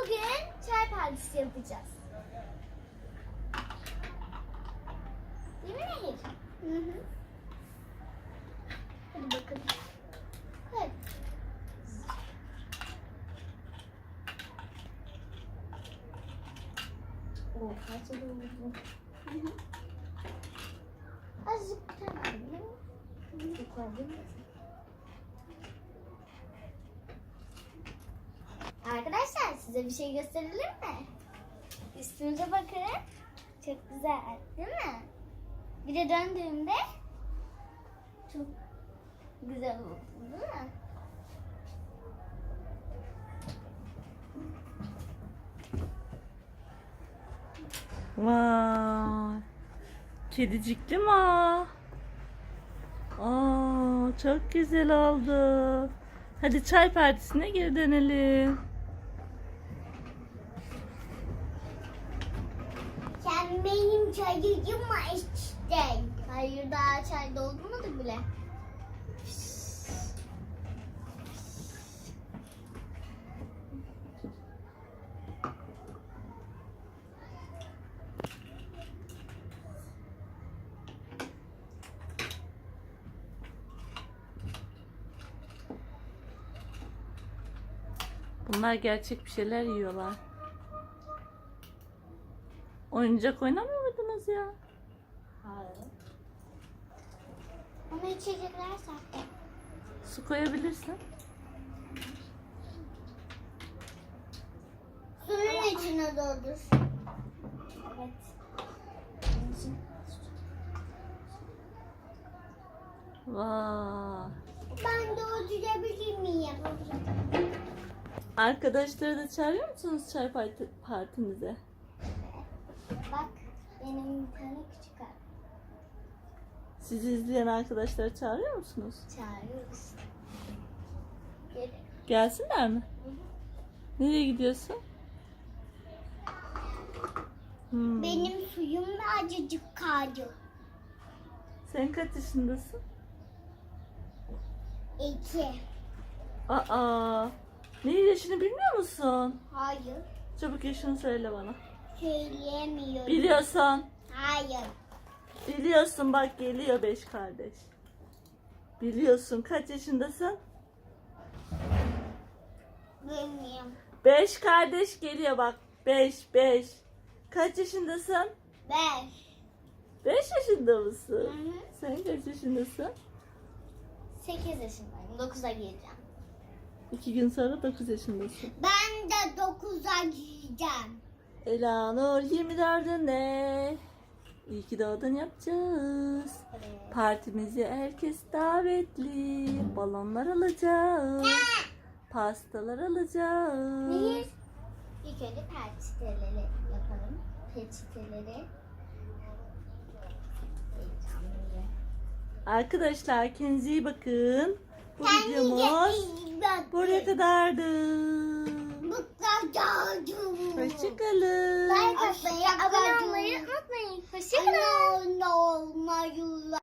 Bugün çay partisi yapacağız. Değil mi Nehir? Hı hı. Hadi bakalım. Hadi. Kaç oldu? Azıcık bir tane alayım. Çok var değil mi? Arkadaşlar size bir şey gösterelim mi? Üstümüze bakın. Çok güzel değil mi? Bir de döndüğümde çok güzel oldu değil mi? Vay. Kedicikli mi o? Aa, çok güzel oldu. Hadi çay partisine geri dönelim. Sen benim çayımı içtin. Hayır daha çay doldurmadık bile. Bunlar gerçek bir şeyler yiyorlar. Oyuncak oynamıyor muydunuz ya? Hayır. Ama içecekler sahte. Su koyabilirsin. Suyun içine doldur. Evet. Vay. Ben doldurabilir miyim? Arkadaşları da çağırıyor musunuz çay partimize? Bak benim bir tane küçük abi. Sizi izleyen arkadaşları çağırıyor musunuz? Çağırıyoruz. Gelin. Gelsinler mi? Nereye gidiyorsun? Benim suyum da acıcık kaldı. Sen kaç yaşındasın? 2. Aa, ne yaşını bilmiyor musun? Hayır. Çabuk yaşını söyle bana. Söyleyemiyorum. Biliyorsun. Hayır. Biliyorsun bak geliyor 5 kardeş. Biliyorsun kaç yaşındasın? Bilmiyorum. 5 kardeş geliyor bak. 5. Kaç yaşındasın? 5. 5 yaşında mısın? Hı hı. Sen kaç yaşındasın? 8 yaşındayım. 9'a gireceğim. 2 gün sonra 9 yaşındasın. Ben de 9'a gireceğim. Elanur 24'ünde. İyi ki doğdun yapacağız. Evet. Partimize herkes davetli. Balonlar alacağız. Pastalar alacağız. Nehir. İlk önce peçeteleri yapalım. Peçeteleri. Heyecanlı. Arkadaşlar kendinize iyi bakın. Bu Kendinize videomuz iyi bakın. buraya kadardı. Bu kadar. Hoşçakalın. Like atmayı, abone olmayı unutmayın. Hoşçakalın.